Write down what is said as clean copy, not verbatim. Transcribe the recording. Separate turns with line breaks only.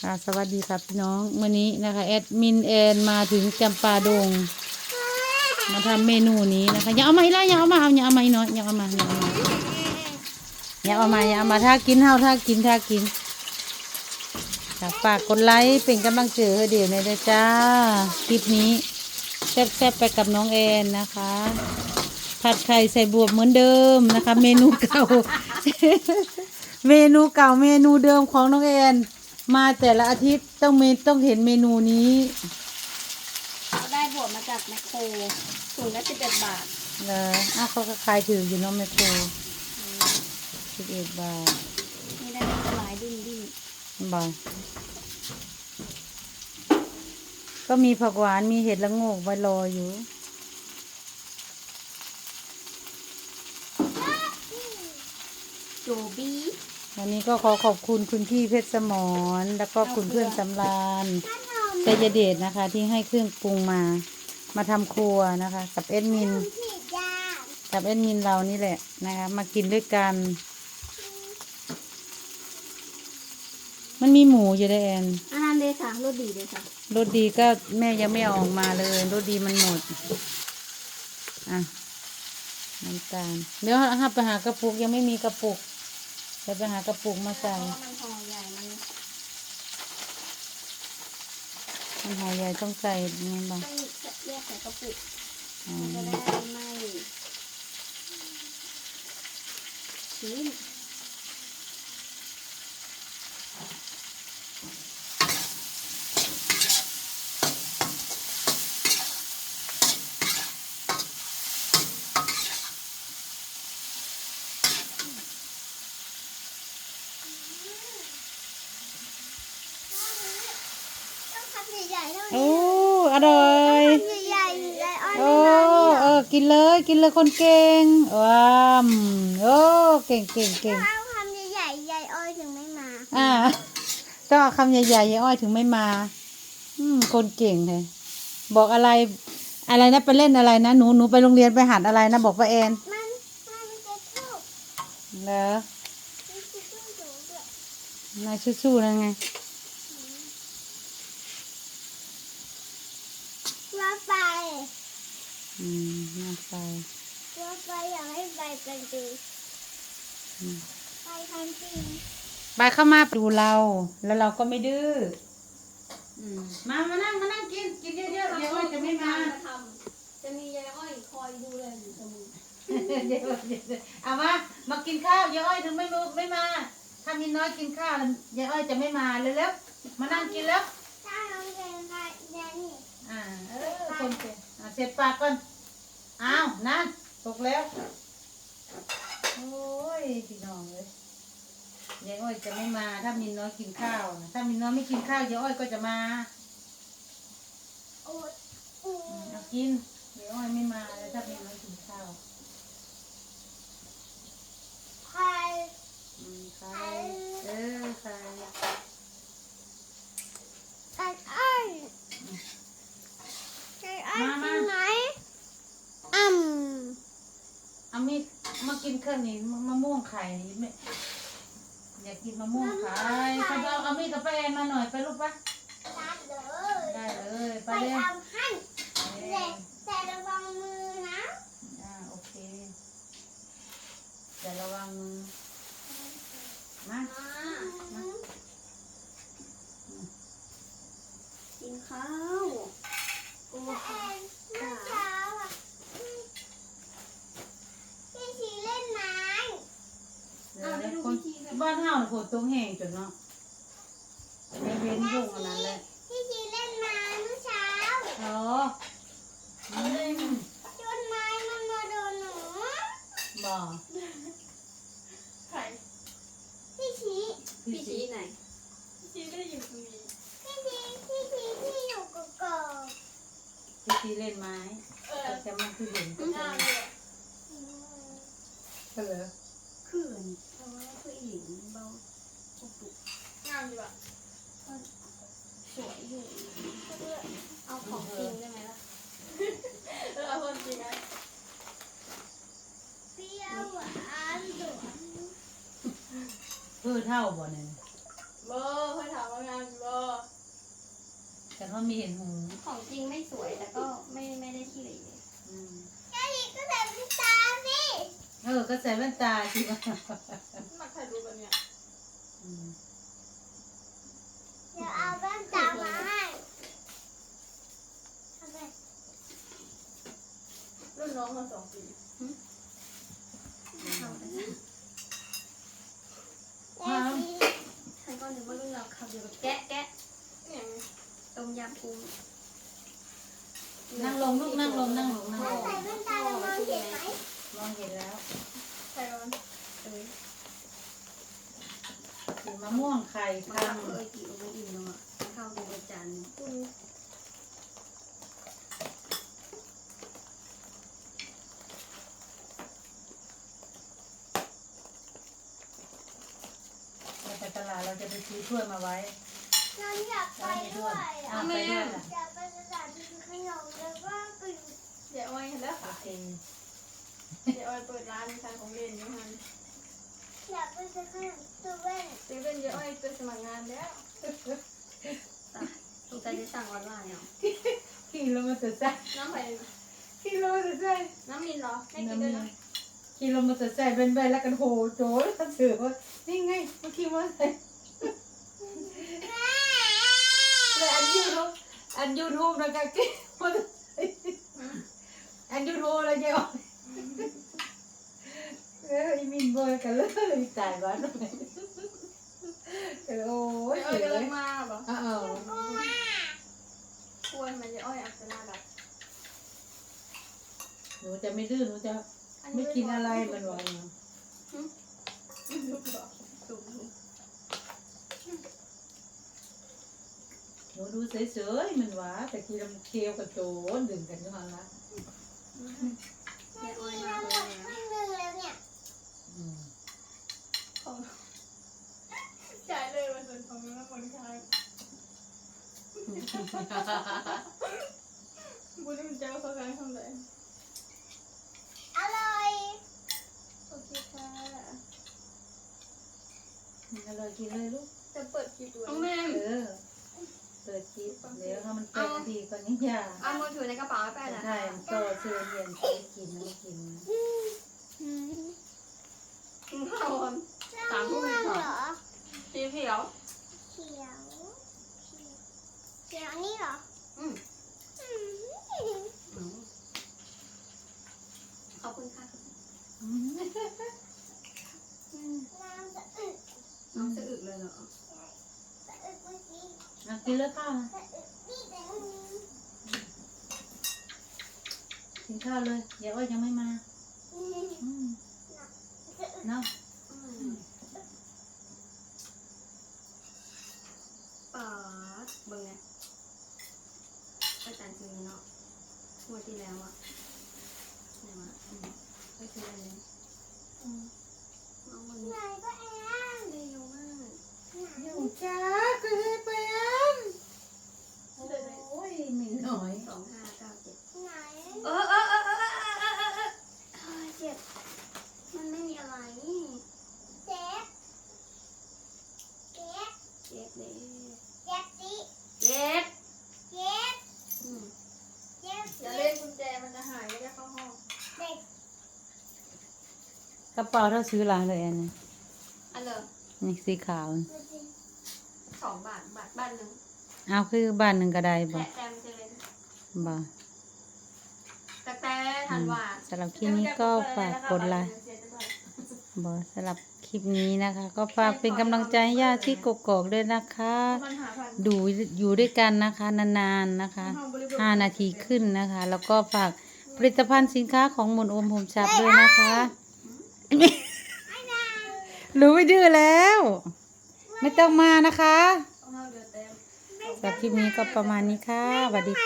ค่ะสวัสดีครับพี่น้องวันนี้นะคะแอดมินแอนมาถึงจำปาดงมาทำเมนูนี้นะคะอย่าเอามาอีกแล้วอย่าเอามาอย่าเอามาอีกน้อยอย่าเอามาถ้ากินถ้ากินฝากกดไลค์เป็นกำลังใจให้เดี๋ยวในเด้อจ้าคลิปนี้แซ่บๆไปกับน้องแอนนะคะผัดไข่ใส่บวบเหมือนเดิมนะคะเมนูเก่า เมนูเดิมของน้องแอนมาแต่ละอาทิตย์ต้องเห็นเมนูนี้
เราได้บวกมาจากแมคโครถุงละ11 บาท
เขาก็ขายถืออยู่เน้องแมคโคร11 บาท
นี่ได้หลายดิ้น
บาทก็มีผักหวานมีเห็ดละโงกไว้รออยู่
โจบี้
วันนี้ก็ขอขอบคุณคุณพี่เพชรสมรแล้วก็คุณเพื่อนสำราญชัยเดชนะคะที่ให้เครื่องปรุงมาทำครัวนะคะกับแอดมินเรานี่แหละนะคะมากินด้วยกันมันมีหมูอยู่ด้วยแอน
อาหารเดชค่ะรสดีเลยค่ะ
รสดีก็แม่ยังไม่ออกมาเลยรสดีมันหมดอ่ะน้ำตาลเดี๋ยวไปหากระปุกยังไม่มีกระปุกไปหากระปุกมาใส่
มันห่อใหญ่
มันห่อใหญ่ต้องใส่ยังไงบ้าง
ต้องแยกใส่กระปุกมันจะได้ไม่ชื้น
โอ้อร่อยโอ้กินเลยคนเก่งว้ามโอ้เก่ง
เอาคำใหญ่ๆยายอ้อยถึงไม่มา
ต้องเอาคำใหญ่ๆยายอ้อยถึงไม่มาคนเก่งเลยบอกอะไรนะไปเล่นอะไรนะหนูไปโรงเรียนไปหัดอะไรนะบอกป้าแอน
มันจะทุก
เหรอ นายสู้ๆนะไง
ว่าไป
น่าไป
ว่าไปอยากให้ไปกันดูไปทันที
ไปเข้ามาดูเราแล้วเราก็ไม่ดื้อมานั่งกินเยอะๆยายอ้อยจะไม่มา
จะมียายอ้อยคอยดูแลอยู่เสมอ
เอามากินข้าวยายอ้อยถึงไม่มาถ้ามีน้อยกินข้าวยายอ้อยจะไม่มาเลยแล้วมานั่งกินแล้ว
ถ้าน้องเรียนได้นี่
คนเสร็จปากก่อนอ้าวนั่นตกแล้วโอ้ยพี่น้องเลยยายอ้อยจะไม่มาถ้ามีน้อยกินข้าวนะถ้ามีน้อยไม่กินข้าวยายอ้อยก็จะมาเอากินยายอ้อยไม่มาเลยถ้ามีน้อยกินข้าว
ใคร
ใครใคร
ไก่อ้อยกินไหม
เอามีดมากินเครื่องนี้มะม่วงไข่นี่ไม่อยากกินมะม่วงไข่เขาเอามีดกับป้าแอนมาหน่อยไปลูกปะได้เลยไปเลย
ทำให้แต่ระวังมือนะ
โอเคแต่ระวังมือมา
กินข้าวโอ้ค่ะพี่ชีเล่นไม้
บ้านเฮาฝนตกแห้งจนเนาะไม่เว้นยุ่งอันนั้นเลย
พี่ชีเล่นไม้เมื่อเช้าจนไม้มันมาโดนหนู
บอก
ใครพี่ชีไหนพี่ชีได้อยู่ตรงนี้พี่ชีอยู่กกอก
พี่ชีเล่นไม้แต่มันคือเด่นก็เหรอ
ขื่นเพราะว่าผู้หญิงเบาปุกงามอยู่อ่ะสวยอยู่เอาของจริงได้ไหมล่ะเอาคนจริงไหมเปรี้ยวหวานหวาน
เพื่อเท่าบ่เนี่ย
บ่ค่อยถามว่างานบ่
แต่ว่ามีเห็นหู
ของจริงไม่สวยแต่ก็ไม่ได้ขี้เหร่
อืม
แค่นี้ก็ใส่เป็นตาสิ
ก็ใส่แว่นตาสิ
มาถ่ายรูปอันเนี้ย
อืม
เดี๋ยวเอาแว่นตามาให้ทำไม
รุ่นน้องมา2 ปี
เอาไปสิฉันก็นึกว่ารุ่นเราขับอยู่กับแกะ
เนี่ย
ต้มยำกุ้ง
นั่งลงลูกนั่งลง
ใส่แว่นตาเรามองเห็นไหม
มองเห็นแล้ว
ใครร้อน
สีมะม่วงไข่
มา
พัง
ทำกี่โอไม่อิ่มเนาะข้าวดูประจัน
คุณ
เราไปตลาดเราจะไปซื้อถ้วยมาไว้
น้องอยากไปด้วย
เอาไปด้วยล่ะ
อยากไปตลาดกินขนมแล้วก็ไป
เดี๋ยวอ้อยเห็นแล้ว
โอ
ค่ะ
เค
เดี๋ยวอ้อยเปิดร้านขายของเล่นอยู่ฮัน
อยากไปซื้อขนมตัวเว่น
เซเว่นเดี๋ยวอ้อยไปสมัครงานแล้ว
สงสัยจะสั่งออนไลน์อ่ะ
ขี่รถมอเตอร์ไซค์
น้ำไผ่
ขี่รถมอเตอร์ไซค์
น้ำมินเหรอให้กินด้วยนะ
ขี่รถมอเตอร์ไซค์เป็นใบแล้วกันโหโจ้ยเสือว่านี่ไงมาขี่มอเตอร์ไซค์เลยอันยูทูบนะคะขี่มอเตอร์ไซค์อันยูทูบแล้วเนี่ยอีมินบอยกันเลยตายบ้านเลยโอ้ย
เดี๋ยวอ้อยกำลังมาเหรอ ควรมันจะอ้อยอัจฉริยะ
หนูจะไม่ดื้อหนูจะไม่กินอะไรมันหวาน
ลูกเหรอ
ถูก
หนูดูเฉยๆมันหวานแต่กินมันเคี้ยวกับโจนดึงกันขึ้นมาละ
แม่อ้อยมาเลยแล้วเนี่ย
ของจ่ายเลยวันส่วนของน้ำมันคายบุญมันจะเอาเข้ากันทำไร
อร่อย
โอเคค่ะ
อร่อยกินเลยลูก
จะเปิดคลิปดู
น้องแม่
เปิดคลิปเดี๋ยวถ้ามันเป็นนาทีก่อนนี่ยา
เอามือถือในกระเป๋าไปนะ
ใช่ก็เชิญเรียนซื้อกินไม่กิน
กินข้าวก่อน3 ทุ่มเหรอ
สีเขียว
เขียวนี่เหรอขอบคุณค่ะน้ำสะอึกเลยเหรอ
กินเลือข้าวนะกินข้าวเลยเดี๋ยวอ้อยยังไม่มาเนาะ
ปาดเบิ่งไงไปจ่ายซื้อเนาะงวดที่แล้วอะไหนวะไปซื้ออะไรเนี่ยเอาวันนี้ก็แอนเร็วมาก
อยู่จ้าก็ให้ไปอันโอ้ยมีหน่อย
2597ไหนเจ็บมันไม่มีอะไรเจ็บเลยเจ็บ
อย่าเล่นกุญแจมันจะหายไม่ได้เข้าห้อง
กระเป๋าเราซื้อร้านเลยอันนี้
อันเลย
นี่สีขาว
2 บาทบ้านหนึ่ง
เอาคือบ้านหนึ่งก็ได้บ่
แต่มันจะเป็น
บ่
แต่ทันว่า
สำหรับคลิปนี้ก็ฝากกดไลค์บ่สำหรับคลิปนี้นะคะ ก็ฝากเป็นกำลังใจให้ย่าที่กกอกด้วยนะคะ
มันหาพัน
ดูอยู่ด้วยกันนะคะนานๆนะคะ5 นาทีขึ้นนะคะ แล้วก็ฝากผลิตภัณฑ์สินค้าของมนโอมผมชับด้วยนะคะรู้ไม่ดื้อแล้ว ไม่ต้องมานะคะ
ต้องเอาเดือดเต็ม
สำหรับคลิปนี้ก็ประมาณนี้ค่ะสวัสดีค่ะ